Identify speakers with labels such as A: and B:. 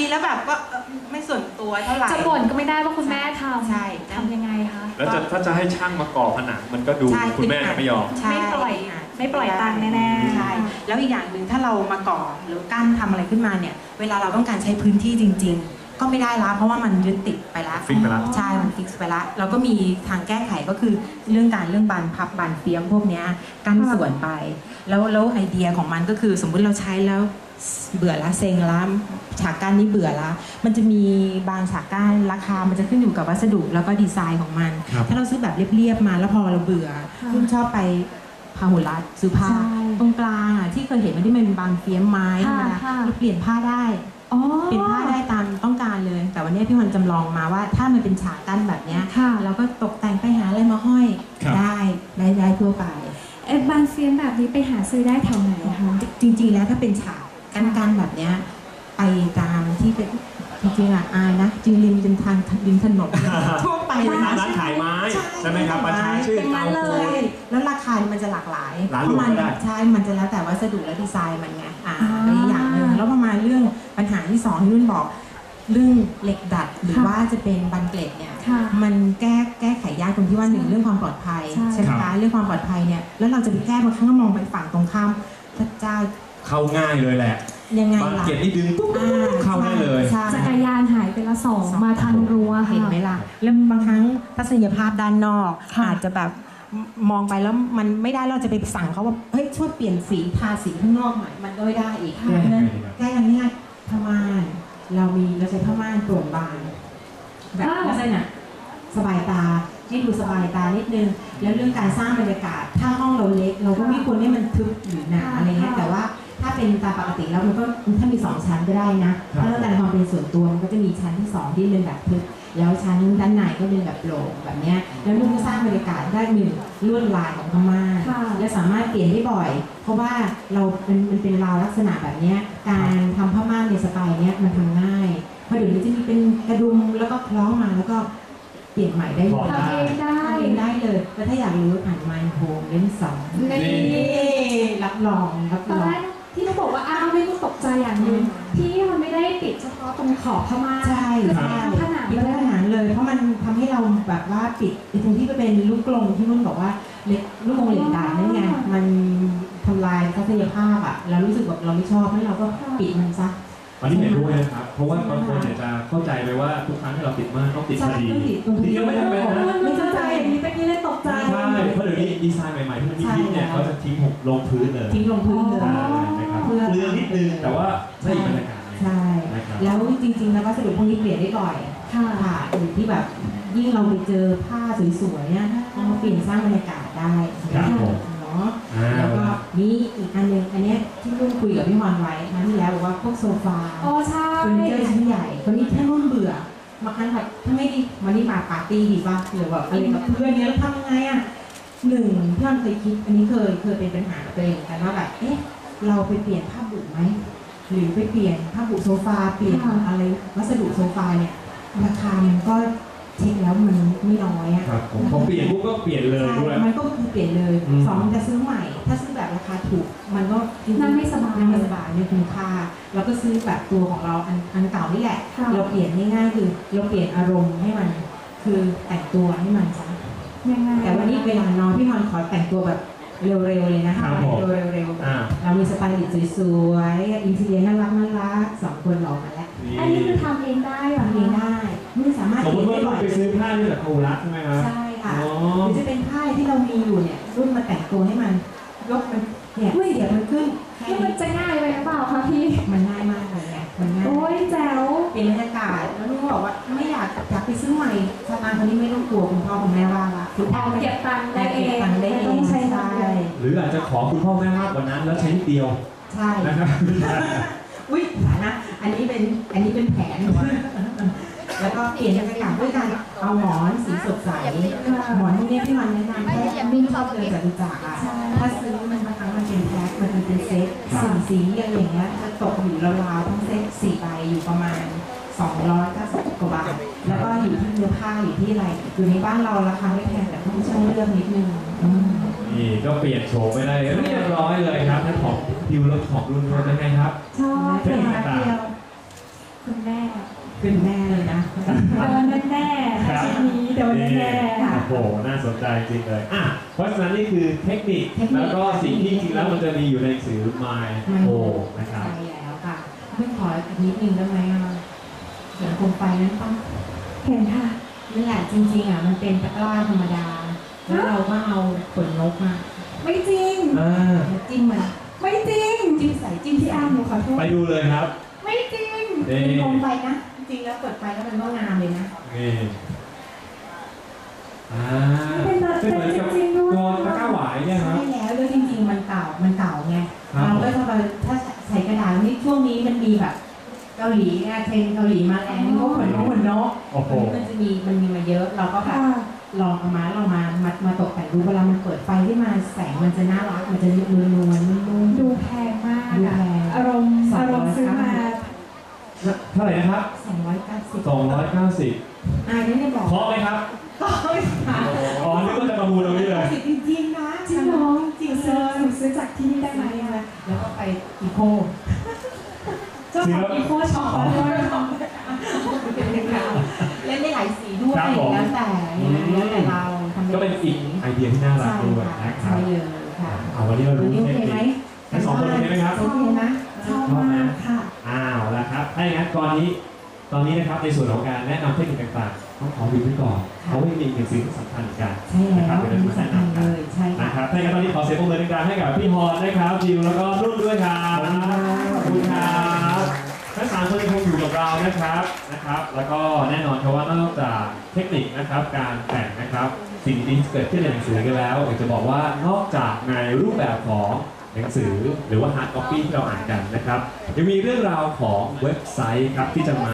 A: แล้วแบบก็ไม่ส่วนตัวเท่าไหร่
B: จะบ่นก็ไม่ได้ว่าคุณแม่ทำ
A: ใช่
B: ทำยังไงคะ
C: แล้วถ้าจะให้ช่างมาก่อผนังมันก็ดูคุณแม่ไม่ยอม
B: ไม่ปล่อยตังค์แน่ๆ
A: ใช่แล้วอีกอย่างหนึ่งถ้าเรามาก่อหรือกั้นทำอะไรขึ้นมาเนี่ยเวลาเราต้องการใช้พื้นที่จริง ๆ ก็ไม่ได้ละเพราะว่ามันยึดติดไปละ
C: ฟิกไปละ
A: ใช่มันฟิกไปละเราก็มีทางแก้ไขก็คือเรื่องบานพับบานเฟี้ยมพวกเนี้ยกั้นส่วนไปแล้วไอเดียของมันก็คือสมมุติเราใช้แล้วเบื่อละเซ็งละฉากกั้นนี้เบื่อละมันจะมีบางฉากกั้นราคามันจะขึ้นอยู่กับวัสดุแล้วก็ดีไซน์ของมันถ้าเราซื้อแบบเรียบๆมาแล้วพอเราเบื่อรุ่นชอบไปพาหุรัตซื้อผ้าตรงกลางอ่ะที่เคยเห็นมันที่มันเป็นบานเฟี้ยมไม้ธรรมดาเราเปลี่ยนผ้าได้เปลี่ยนผ้าได้ตามต้องการเลยแต่วันนี้พี่วันจำลองมาว่าถ้ามันเป็นฉากกั้นแบบนี้เราก็ตกแต่งไปหาอะไรมาห้อยได้ทั่วไป
B: บานเฟียมแบบนี้ไปหาซื้อได้แถวไหนคะ
A: จริงๆแล้วถ้าเป็นฉากกั้นแบบนี้ไปตามที่เป็นจริงๆอ่ะอายนะจริงริมทางริมถนนทั่วไปเลยนะ
C: ร้านขายไม้ใช่ไหมครับประชาชื่นเตาปูน
A: แล้วราคามันจะหลากหลาย
C: ร้านหลวงก็ได้
A: ใช่มันจะแล้วแต่วัสดุและดีไซน์มันไงอีกอย่างหนึ่งแล้วประมาณเรื่องปัญหาที่2ที่นุ่นบอกเรื่องเหล็กดัดหรือว่าจะเป็นบันเกล็ดเนี่ยมันแก้ไขยากตรงที่ว่า1เรื่องความปลอดภัยใช่ไหมคะเรื่องความปลอดภัยเนี่ยแล้วเราจะไปแก้บางครั้งก็มองไปฝั่งตรงข้ามพระเจ้า
C: เข้าง่ายเลยแหละ
A: ยังไง
C: บางเกียรตินี่ดึงปุ๊บเข้าได้เลย
B: จักรยานหายไปละ2มาทางรั้ว
A: เห็นไหมล่ะแล้วบางครั้งทัศนียภาพด้านนอกอาจจะแบบมองไปแล้วมันไม่ได้เราจะไปสั่งเขาว่าเฮ้ยช่วยเปลี่ยนสีทาสีข้างนอกหน่อยมันก็ไม่ได้อีกเพราะฉะนั้นแก้ยังง่ายผ้าม่านเราใช้ผ้าม่านโปร่งบางแบบลักษณะสบายตาให้ดูสบายตานิดนึงแล้วเรื่องการสร้างบรรยากาศถ้าห้องเราเล็กเราก็ไม่ควรให้มันทึบหรือหนาอะไรเงี้ยแต่ว่าถ้าเป็นตามปกติแล้วมันก็ถ้ามี2ชั้นก็ได้นะถ้าต้องการความเป็นส่วนตัวมันก็จะมีชั้นที่2ที่เป็นแบบทึบแล้วชั้นด้านในก็เป็นแบบโปร่งแบบนี้แล้วมันก็สร้างบรรยากาศได้1ลวดลายของผ้าม่านและสามารถเปลี่ยนได้บ่อยเพราะว่ามันเป็นราวลักษณะแบบนี้การทำผ้าม่านในสไตล์นี้มันทำง่ายเพราะเดี๋ยวนี้จะมีเป็นกระดุมแล้วก็คล้องมาแล้วก็เปลี่ยนใหม่ได้เลย
B: ทำเอง
A: ได้เลยแล้วถ้าอยากรู้อ่าน My Home เล่ม2นี่รับรอง
B: ที่เราบอกว่าอ้าวไม่ต้องตกใจอย่างนึงที่มันไม่ได้ติดเฉพาะตรงขอบผ้าม่าน
A: ใช่
B: ผนัง
A: เลยเพราะมันทำให้เราแบบว่าปิดตรงที่ก็เป็นลูกกลงที่นุ่นบอกว่าลูกกลงเหล็กดัดนั่นไงมันทำลายทัศนียภาพอ่ะแล้วรู้สึกแบบเราไม่ชอบให้เราก็ปิดมันซะ
C: อันนี้เห็นด้วยนะครับเพราะว่าบางคนเนี่ยจะเข้าใจไปว่าทุกครั้งที่เราติดม่านต้องติดพอดีที่ก็ไม่จำเป็นนะ
B: ไม่เข้าใจอย่างนี้เป็นที่เล่นตกใจ
C: ใช่เพราะเดี๋ยวนี้ดีไซน์ใหม่ๆที่มันฮิตเนี่ยเขาจะทิ้งลงพื้นเลย
A: ทิ้งลงพื้นเลย
C: นะครับเรื่องนิดนึงแต่ว่าได้บรรยากาศ
A: ใช่แล้วจริงๆแล้ววัสดุพวกนี้เปลี่ยนได้บ่อยค่ะอยู่ที่แบบยิ่งเราไปเจอผ้าสวยๆเนี่ยเราเปลี่ยนสร้างบรรยากาศได้แล้วก็มีอีกอันนึงอันนี้ที่นุ่นคุยกับพี่มอนไว้ครั้งที่แล้วบอกว่าพวกโซฟาเฟอร์นิเจอร์ชิ้นใหญ่คนนี้แค่นุ่นเบื่อบางครั้งแบบถ้าไม่ดีวันนี้มาปาร์ตี้ดีป่ะหรือแบบอะไรกับเพื่อนเนี้ยแล้วทำยังไงอ่ะพี่มอนเคยคิดอันนี้เคยเป็นปัญหาตัวเองกันว่าแบบเราไปเปลี่ยนผ้าบุไหมหรือไปเปลี่ยนผ้าบุโซฟาเปลี่ยนอะไรวัสดุโซฟาเนี่ยราคามันก็เช็คแล้วมันไม่น้อยอ่ะ
C: พอเปลี่ยนปุ๊บก็เปลี่ยนเลยด้วย
A: มันก็คือเปลี่ยนเลย2จะซื้อใหม่ถ้าซื้อแบบราคาถูกมันก็
B: นั่งไม่สบาย
A: ไม่คุ้มค่าเราก็ซื้อแบบตัวของเราอันเก่านี่แหละเราเปลี่ยนง่ายๆคือเราเปลี่ยนอารมณ์ให้มันคือแต่งตัวให้มันซะแต่วันนี้เวลานอนพี่นอนขอแต่งตัวแบบเร็วๆเลยนะคะแต่งตัวเร็วๆเรามีสไตล์สวยๆอินทีเรียน่ารัก2คนหล่อมาแล้ว
B: อันนี้คือทำเองได้หรอ
A: ทำเองได้ไม่สามารถ
C: สมมติว่าเราไปซื้อผ้าที่แบบโคลัสใช่ไหมครับ
A: ใช่ค่ะหรือจะเป็นผ้าที่เรามีอยู่เนี่ยรุ่นมาแต่งตัวให้มันยกมันเนี่ยเสียมันขึ้น
B: มันจะง่ายไปหรือเปล่าคะพี่
A: มันง่ายมากเลยเนี่ยมันง่าย
B: โอ้ยแจ๋ว
A: เป็นบรรยากาศแล้วนุ่นบอกว่าไม่อยากไปซื้อใหม่สตางค์คนนี้ไม่ต้องกลัวคุณพ่อคุณแม่ว่าละ
B: คุณพ่อเก็บตังค์ได้เอง
A: ต้องใช้ได้
C: หรืออาจจะขอคุณพ่อแม่ว่าวันนั้นแล้วใช้นิดเดียว
A: ใช่
C: นะครับ
A: อุ้ยนะอันนี้เป็นแผนแล้วก็เปลี่ยนบรรยากาศด้วยการเอาหมอนสีสดใสหมอนพวกนี้ที่มันแนะนำให้นุ่นชอบเลยจากดูจากอ่ะถ้าซื้อมันบางครั้งมันเป็นแพ็คมันเป็นเซ็ตสีอะไรอย่างเงี้ยจะตกอยู่ราวๆทั้งเซ็ต4 ใบอยู่ประมาณ290 กว่าบาทแล้วก็อยู่ที่เนื้อผ้าอยู่ที่อะไรอยู่ในบ้านเราราคาไม่แพงแต่ต้องช่วยเลือกนิดนึง
C: นี่ก็เปลี่ยนโฉมไปได้เรียบร้อยเลยครับถ้าของพิวรถของรุ่นเป็นไงครับ
B: ชอบเป็นแบบเดียวคุณแม่
A: เป็นแน่เลยนะ
B: โดนแน่ๆในชีวิตนี้โดนแน่ๆค่ะ
C: โอ้โหน่าสนใจจริงเลยเพราะฉะนั้นนี่คือเทคนิคแล้วก็สิ่งที่จริงแล้วมันจะมีอยู่ในหนังสือ My O นะครับ
A: ใช่แล้วค่ะไม่ขออีกนิดนึงได้ไหมเห็นโคมไฟนั้นปะ
B: เห็นค่ะ
A: นั่นแหละจริงๆมันเป็นตะกร้าธรรมดา แล้วเราก็เอาขนนกมาไม่จริงจิ้มมัน
B: ไม่จริง
A: จิ้มใส่จิ้ม
B: พี่อาร์มหนูขอโทษ
C: ไปดูเลยครับ
B: ไม่จริง
A: เป็นโคมไฟนะจริงๆแล้วเปิดไฟแล้วมันก็งามเลยนะ
C: นี่
B: เป็น
C: เป็นเหมือนกับ
B: จริงๆด้วย
C: ตัวตะกร้าหวายเนี่ยครับ
A: ใช่แล้วจริงๆมันเก่าไง
C: ครับ
A: เราก็ถ้าใส่กระดาษนี่ช่วงนี้มันมีแบบเกาหลีเทรนเกาหลีมาแรงก็ขนนก
C: โอ้โห
A: มันมีมาเยอะเราก็แบบ
B: ค่ะ
A: ลองเอามาตกแต่งดูเวลามันเปิดไฟขึ้นมาแสงมันจะน่ารักมันจะนวลนุ่ม
B: ดูแพงมาก
A: ดู
B: อะ
A: แพง
B: อารมณ์ซื้อมา
C: เท่าไหร่นะครับ
A: 290
C: 290
A: นี่ได้บอก
C: เคาะไหมครับ
A: ก็ไม่ผ่าน
C: อ๋อนึกว่าจะประมูลตรงนี้เลย
A: จริงๆนะ
B: จริงเหรอ
A: จริง
B: หนูซื้อจากที่นี่ได้ไหมอะ
A: แล้วก็ไปอีโค
B: เจ้าของอีโคช็อปด้วย
A: เล่นได้หลายสีด้วย
C: ครับผม
A: แล้วแต่เราทำ
C: ก็เป็นอีกไอเดียที่น่ารักด้วยนะครั
A: ใช่
C: บ
A: เลยค่ะ
C: เอาวันนี้เรา
A: วัน
C: รู้
A: นี้โอ
C: เทค
A: เค
C: นิ
A: ไหม
C: คทั้งสองคนโอเคไหมครับ
A: โอเคนะ
B: ชอบมากค่ะ
C: ละครับถ้าอย่างนั้นตอนนี้นะครับในส่วนของการแนะนำเทคนิคต่างๆต้องขอวิวไว้ก่อนเพราะว่ามีอีกหนึ่งสิ่งที่สำคัญเหมือนกัน
A: ใช่แล้ว
C: นะครับเดี๋ยว
A: มี
C: เราจะ
A: สำ
C: แนะ
A: คัญ
C: นำกัน
A: เลยใช่ค่ะ
C: นะครับถ้าอย่างนั้นตอนนี้ขอเสียงปรบมือดังๆให้กับพี่ฮอนนะครับจิวแล้วก็นุ่นด้วยครับขอบคุณครับทั้งสามคนยังคงอยู่กับเรานะครับแล้วก็แน่นอนครับว่านอกจากเทคนิคนะครับการแต่งนะครับสิ่งดีๆที่เกิดขึ้นในหนังสือกันแล้วอยากจะบอกว่านอกจากในรูปแบบของหนังสือหรือว่าฮาร์ดคอปปี้ที่เราอ่านกันนะครับยังมีเรื่องราวของเว็บไซต์ครับที่จะมา